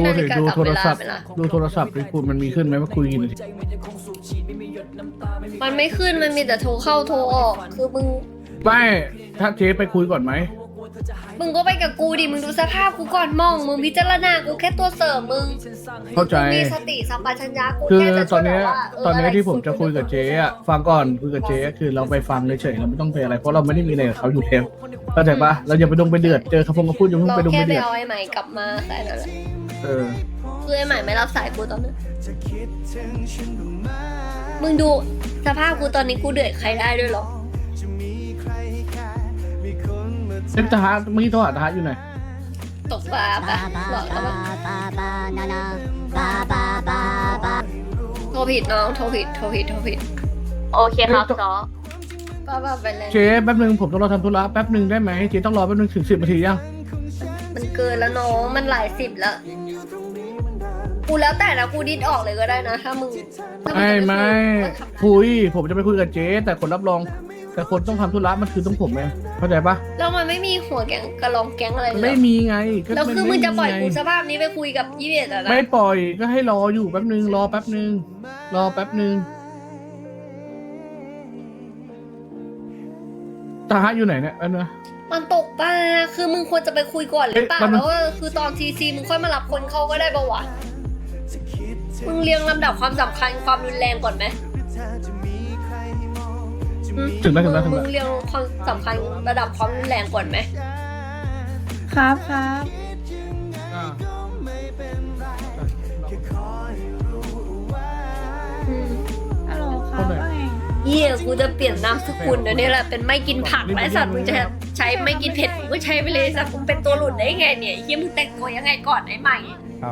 สิฬิกาดูจับโทเวรลาศัพท์ไหมล่ะดูโทรศัพท์ดิคุณมันมีขึ้นไหมว่าคุยกี่นาทีมันไม่ขึ้นมันมีแต่โทรเข้าโทรออก คือไม่ถ้าเจ๊ไปคุยก่อนไหมมึงก็ไปกับกูดิมึงดูสภาพกูก่อนมองมึงพิจารณากูแค่ตัวเสริมมึงเข้าใจมึงมีสติสัมปชัญญะกูคือแค่จะตช่อวน ยเนี้แบยบว่าตอนเนี้ยที่ผมไรจะคุยกับเจ๊อะฟังก่อนคุยกับเจ๊คือเราไปฟังเฉยๆเราไม่ต้องไปอะไรเพราะเราไม่ได้มีอะไรกับเขาอยู่เทปเข้าใจปะเราอย่าไปดงไปเดือดเจอเขาพงเขาพูดอย่าเพิ่งเราไปดงแค่ไปไปเดือดเอาไอ้ใหม่กลับมาแค่นั้นแหละเออคือไอ้ใหม่ไม่รับสายกูตอนนั้นมึงดูสภาพกูตอนนี้กูเดือดใครได้ด้วยหรอเซ็นทหารเมื่อกี้โทรหาทหารอยู่ไหนตกปลาปะหลอกแล้วปะโทรผิดน้องโทรผิดโอเคครับซอป้าไปเลยเจ๊แป๊บนึงผมต้องรอทำธุระแป๊บนึงได้ไหมเจ๊ต้องรอแป๊บนึงถึง10 นาทียังมันเกินแล้วน้องมันหลายสิบแล้วกูแล้วแต่นะกูดิ้นออกเลยก็ได้นะถ้ามึงถ้ามึงไม่จะปคุยผมจะไปคุยกับเจ๊แต่คนรับรอง แต่คนต้องทำธุระมันคือต้องผมเองเข้าใจปะแล้วมันไม่มีหัวแก๊งกระลองแก๊งอะไรเลยเหรอไม่มีไงก็แล้วคือมึงจะปล่อยกูไสภาพนี้ไปคุยกับยี่เอ็ดอะนะไม่ปล่อยก็ให้รออยู่แป๊บนึงรอแป๊บนึงรอแป๊บนึงทหารอยู่ไหนเนี่ยอันนะมันตกปลาคือมึงควรจะไปคุยก่อนหรือเปล่าเอ๊ะมันแล้วว่าคือตอนทีซีมึงค่อยมารับคนเข้าก็ได้ปะวะมึงเรียงลำดับความสำคัญความรุนแรงก่อนไหมถึงแล้วถึงแล้วถึงมึแล้วงเรียงความสำคัญระดับความรุนแรงก่อนไหมครับอ่าอืมฮัลโหลครับว่าไงเหี้ยกูจะเปลี่ยนนามสกุลเดี๋ยวนี้แหละเป็นไม่กินผักและสัตว์มึงจะใช้ไม่กินเผ็ดมึงก็ใช้ไปเลยสัตว์มึงเป็นตัวหลุดได้ไงเนี่ยเหี้ยมึงแต่งตัวยังไงก่อนไอ้ใหม่ครับ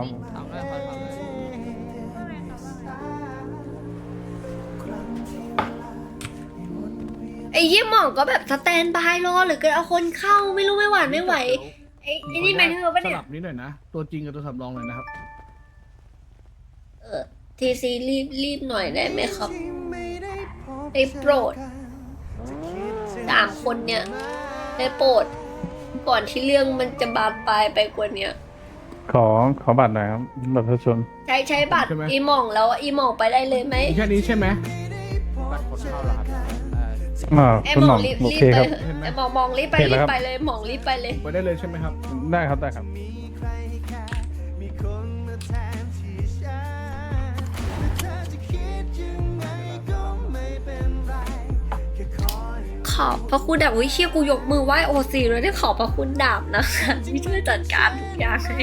ไอ้เหี้ยหม่องก็แบบสแตนบายรอหรือก็เอาคนเข้าไม่รู้ไม่หวานไม่ไหวไอ้นี่แมนเทอร์ปะสเนี่ยลับนิดหน่อยนะตัวจริงกับตัวสำรองหน่อยนะครับทีซีรีบหน่อยได้ไหมครับได้โปรด3 คนเนี่ยได้โปรดก่อนที่เรื่องมันจะบานปลายไปกว่าเนี้ยขอบัตรหน่อยครับบัตรประชาชนใช้บัตรอีหม่องแล้วอีหม่องไปได้เลยไหมมีแค่นี้ใช่ไหมไอ้คุณหหม่ม่ออง งรีบโอรีบเคไปครับเถอะไอ้หม่องรีบไปเห็นแล้วครับรีบไปเลยหม่องรีบไปเลยไปได้เลยใช่ไหมครับได้ครับได้ครับขอบพระคุณดาบวิเชียกูยกมือไหว้โอซีเลยได้ขอบพระคุณดาบนะคะที่ช่วยจัดการทุกอย่างให้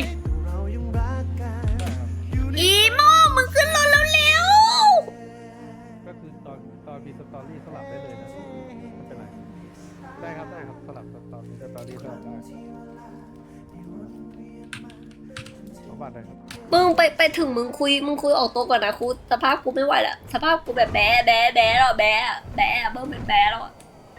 อีโมมึงขึ้นรถแล้วเร็วก็คือตอนมีสตอรี่สลับได้เลยนะไม่เป็นไรได้ครับสลับตอนมีสตอรี่สลับได้ขอบัตรหน่อยครับมึงไปถึงมึงคุยออกตัวก่อนนะครูสภาพกูไม่ไหวละสภาพกูแบบแบ๊แล้วแบ๊เบิ่มเป็นแบ๊แล้วอะ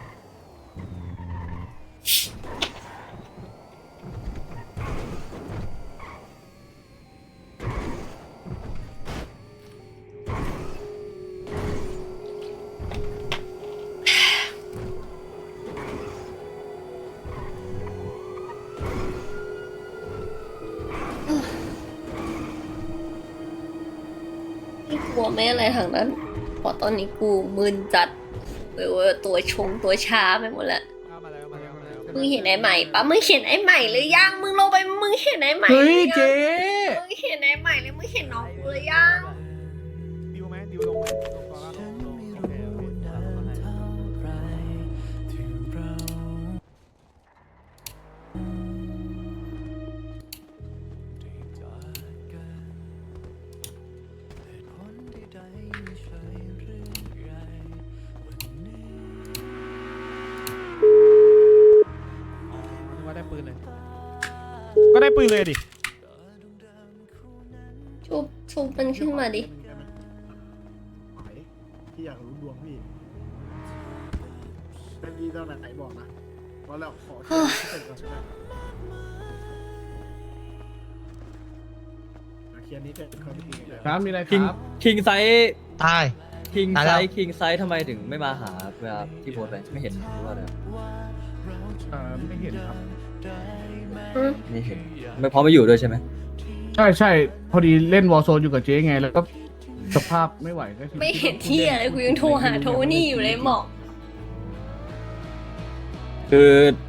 ไม่กลัวไม่อะไรทางนั้นเพราะตอนนี้กูมึนจัดเว้ยตัวชาไปหมดแล้วมึงเห็นไอ้ใหม่ปะมึงเห็นไอ้ใหม่หรือยังมึงลงไปมึงเห็นไอ้ใหม่เฮ้ยหรือยังเจ๊มึงเห็นไอ้ใหม่เลยมึงเห็นน้องกูหรือยังดิวไหมดิวลงไหมลงก่อนแล้วลงโอเคโอเคว่าได้ปืนเลย ก็ได้ปืนเลยดิชุบมันขึ้นมาดิพี่อยากรู้ดวงพี่เป็นดีตอนไหนบอกนะว่าเราขอเสร็จก่อนใช่ไหมเคลียร์นี้เสร็จเขาไปทีเลยครับมีอะไรคคิงรับคิงไซส์ตายคิงตายไซแล้วส์คิงไซส์ทำไมถึงไม่มาหาเวลาที่โพสต์ไปไม่เห็นหรือว่าอะไรไม่เห็นครับไม่เห็นไม่พร้อมมาอยู่ด้วยใช่ไหมใช่พอดีเล่นวอลโซนอยู่กับเจ๊ไง แล้วก็สภาพไม่ไหวก็คือไม่เห็นที่อะไรกูยังโทรหาโทนี่อยู่เลยหมอกคือ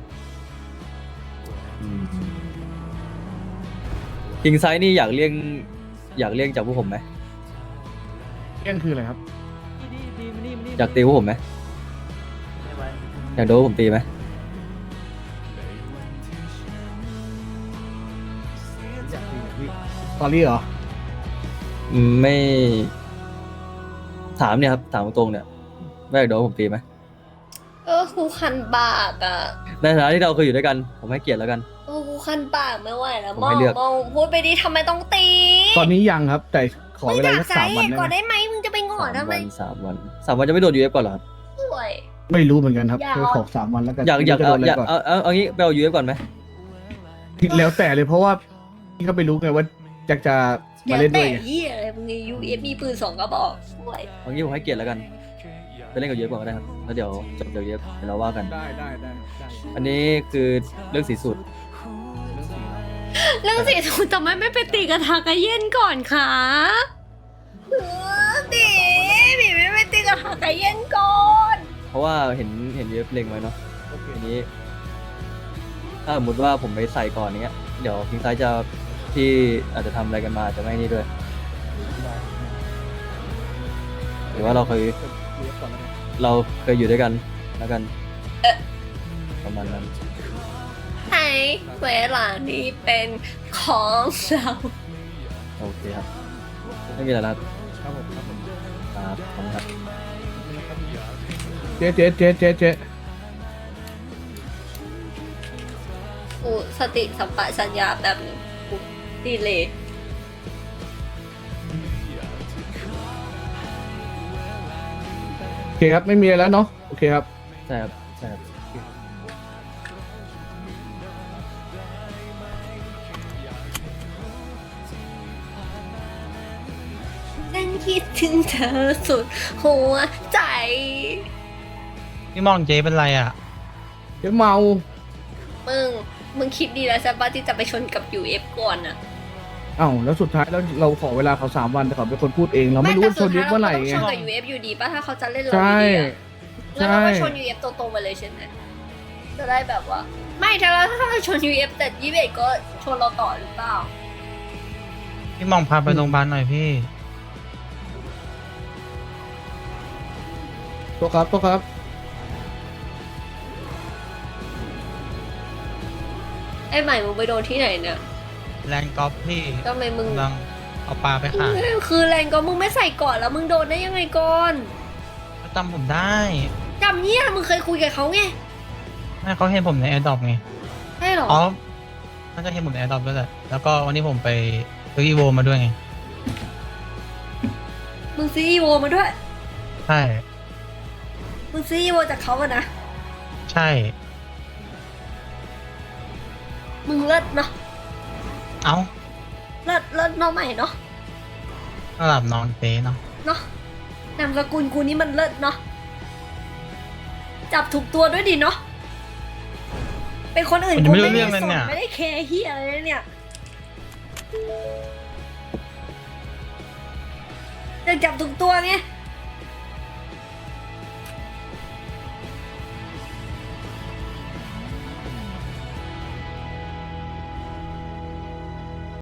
คิงไซนี่อยากเลี่ยงจากพวกผมไหมเรื่องคืออะไรครับอยากตีพวกผมไหมอยากโดนพวกผมตีไหมตอรี่เหรอไม่ถามเนี่ยครับถามตรงๆเนี่ยว่าอยากโดนพวกผมตีไหมกูคันปากอ่ะในฐานะที่เราเคยอยู่ด้วยกันผมให้เกียรติแล้วกันกูคันปากไม่ไหวแล้วผมให้เลือกมองพูดไปดิทำไมต้องตีตอนนี้ยังครับ แต่ขอมึงเวอากลายสักใส่ 3 วันก่อนได้ไหมได้ไหมมึงจะไปงอนทำไม 3 วันจะไม่โดน UF ก่อนเหรอครับป่วยไม่รู้เหมือนกันครับอย่าขอ3 วันแล้วกันอยากจะโดนอะไรก่อนเอางี้ไปเอา UF ก่อนไหมแล้วแต่เลยเพราะว่าพี่ก็ไม่รู้ไงว่าจะเดี๋มายวเล่นด้แต่วยไงเหี้ยอะไรมึงยูเอฟมีปืน2 กระบอกป่วยเอางี้ผมให้เกียรติแล้วกันไปเล่นกับ UF ก่อนก็ได้ครับแล้วเดี๋ยวจบจาก UF เดี๋ยวเราว่ากันได้อันนี้คือเรื่องสีสุดเรื่องสีสูททำไมไม่ไปตีกระทากระเย็นก่อนคะตีบีไม่ไปตีกระทากระเย็นก่อนเพราะว่าเห็น UF เล็งไว้เนาะทีนี้ ถ้าสมมติว่าผมไปใส่ก่อนเนี้ยเดี๋ยวคิงไซจะที่อาจจะทำอะไรกันมาอาจจะไม่นี่ด้วยหรือว่าเราเคยอยู่ด้วยกันแล้วกันประมาณนั้นให้เวลานี้เป็นของเราโอเคครับ ไม่มีอะไรแล้วครับผมครับขอบคุณครับเจ๊กูสติสัมปชัญญะแบบนี้กูดีเลยโอเคครับไม่มีอะไรแล้วเนาะโอเคครับใช่ครับใช่ครับฉันคิดถึงเธอสุดหัวใจพี่มองเจ๊เป็นไรอ่ะเจ๊เมามึงคิดดีแล้วใช่ปะที่จะไปชนกับ UF ก่อนอะเอ้าแล้วสุดท้ายแล้วเราขอเวลาเขา3 วันแต่เขาเป็นคนพูดเองเราไม่รู้ว่าชนยุบเมื่อไหร่แต่ไงสุดท้ายเราก็ต้องชนกับ UF อยู่ดีป่ะถ้าเขาจะเล่นเราใช่ดีๆอะงั้นเราก็ใช่ชน UF ตรงๆไปเลยใช่ไหมจะได้แบบว่า ไม่ถ้าเราชน UF แต่21ก็ชนเราต่อหรือเปล่าพี่มองพาไปโรงพยาบาลหน่อยพี่ตัวครับไอ้ใหม่มึงไปโดนที่ไหนเนี่ยแรงกอล์ฟพี่ทำไมมึงกำลังเอาปลาไปขายคือแรงก็มึงไม่ใส่ก่อนแล้วมึงโดนได้ยังไงก่อนเขาจำผมได้จำเนี่ยมึงเคยคุยกับเขาไงไม่เขาเห็นผมในแอร์ดรอปไงใช่เหรออ๋อน่าจะเห็นผมในแอร์ดรอปด้วยแหละแล้วก็วันนี้ผมไปซื้ออีโวมาด้วยไงมึงซื้ออีโวมาด้วยใช่มึงซื้ออีโวจากเขาอะนะใช่มึงเลิศเนาะเอ้าเลิศเนาะใหม่เนาะระดับน้องเจ๊เนาะเนาะนามสกุลกูนี่มันเลิศเนาะจับถูกตัวด้วยดิเนาะเป็นคนอื่นกูไม่ได้สนไม่ได้แคร์เฮียอะไรเลยเนี่ยจะจับถูกตัวไง